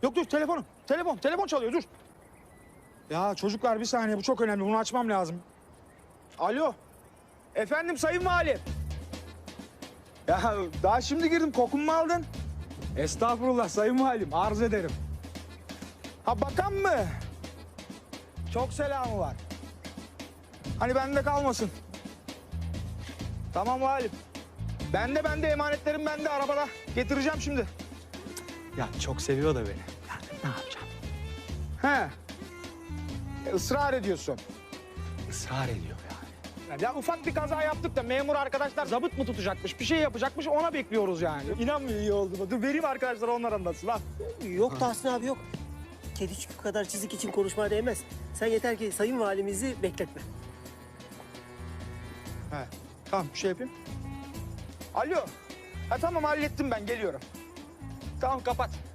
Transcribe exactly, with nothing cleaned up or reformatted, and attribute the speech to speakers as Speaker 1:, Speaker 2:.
Speaker 1: Yok dur telefonum. Telefon, telefon çalıyor dur. Ya çocuklar bir saniye bu çok önemli. Bunu açmam lazım. Alo. Efendim sayın valim. Ya daha şimdi girdim kokumu mu aldın? Estağfurullah sayın valim arz ederim. Ha bakan mı? Çok selamı var. Hani bende kalmasın. Tamam valim. Bende bende emanetlerim bende arabada. Getireceğim şimdi.
Speaker 2: Ya çok seviyor da beni. Yani ne yapacağım?
Speaker 1: He. E, ısrar ediyorsun.
Speaker 2: Israr ediyor yani.
Speaker 1: Ya ufak bir kaza yaptık da memur arkadaşlar zabıt mı tutacakmış, bir şey yapacakmış ona bekliyoruz yani. İnanmıyor iyi oldu mu? Dur vereyim arkadaşlar onlar anlatsın lan.
Speaker 3: Yok Tahsin abi yok. Kedicik kadar çizik için konuşmaya değmez. Sen yeter ki sayın valimizi bekletme.
Speaker 1: He. Tamam bir şey yapayım. Alo. Ha tamam hallettim ben geliyorum. Tamam kapat.